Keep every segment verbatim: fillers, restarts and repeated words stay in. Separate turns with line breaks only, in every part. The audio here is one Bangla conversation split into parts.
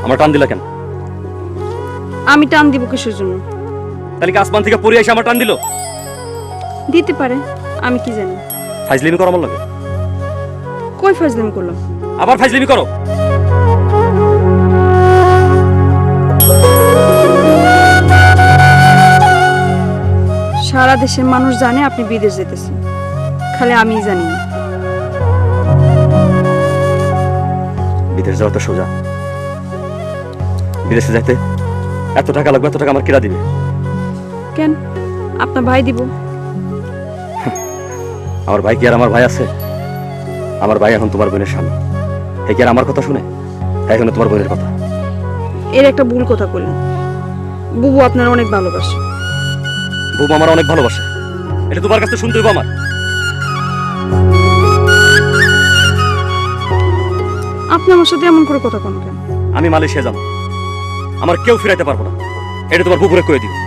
আমার টান দিলা কেন?
আমি টান দিব কিসের জন্য?
তাহলে কি আসমান থেকে পড়ে এসে আমার টান দিল?
দিতে পারে, আমি কি জানি।
ফাইজলিমি করো আমার লাগে।
কই ফাজলামি করলাম?
আবার ফাইজলিমি করো।
সারা দেশের মানুষ জানে আপনি বিদেশ যেতেছেন, খালি আমিই জানি না।
বিদেশ যাওয়া তো সোজা। বিদেশে যাইতে এত টাকা লাগবে, এত টাকা আমার কিরা দিবে?
কেন? আপনার ভাই দিব।
আমার ভাই কি আর আমার ভাই আছে? আমার ভাই এখন তোমার বোনের স্বামী। হে কি আর আমার কথা শুনে? তাই এখন তোমার বোনের কথা।
এর একটা ভুল কথা বললেন। বুবু আপনার অনেক ভালোবাসে।
বুবু আমার অনেক ভালোবাসে, এটা তোমার কাছে শুনতে হইব আমার।
আপনি আমার সাথে এমন করে কথা কোন কেন?
আমি মালয়েশিয়া যাবো, আমার কেউ ফিরাইতে পারবো না, এটা তোমার বুবুরে কয়ে দিও।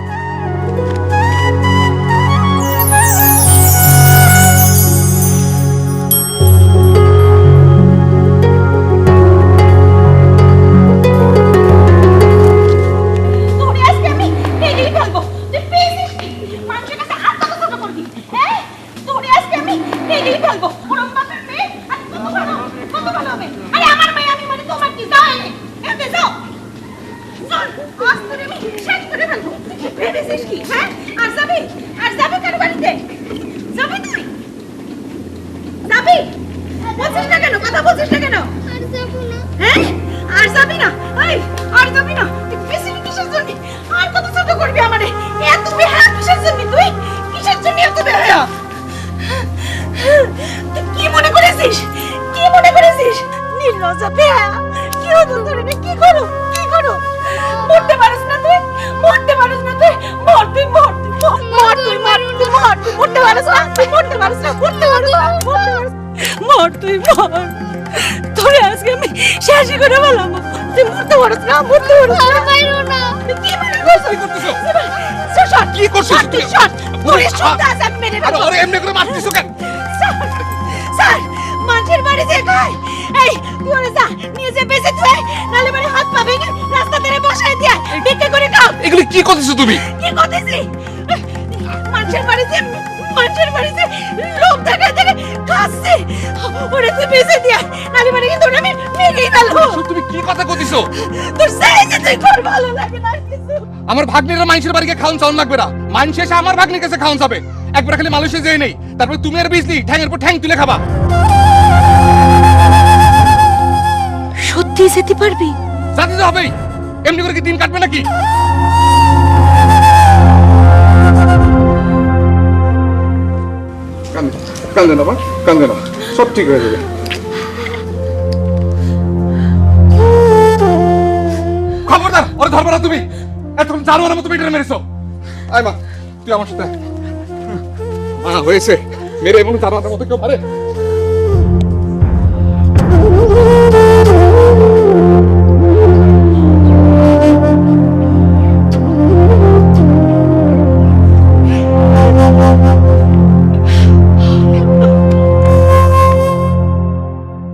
আমার ভাগ্নিরা মানুষের বাড়িতে খাওয়ান চাউন লাগবে না, মানুষ এসে আমার ভাগ্নির কাছে খাওয়ান যাবে। একবার খালি মালয়েশিয়া যেয়ে নেই, তারপর তুমি আর বিজলি ঠ্যাংয়ের পর ঠ্যাং তুলে খাবা।
সত্যি যেতে পারবি?
যাতে তো হবেই, এমনি করে কি দিন কাটবে নাকি? কান্দে না, কান্দে না, সব ঠিক হয়ে যাবে। খবরদার, ওরে ধরবে না তুমি। এতক্ষণ জানোয়ারের মতো মেয়েটা মেরেছো। আয় মা, তুই আমার সাথে। মা হয়েছে, মেরে এমন জানোয়ারের মতো কেউ পারে?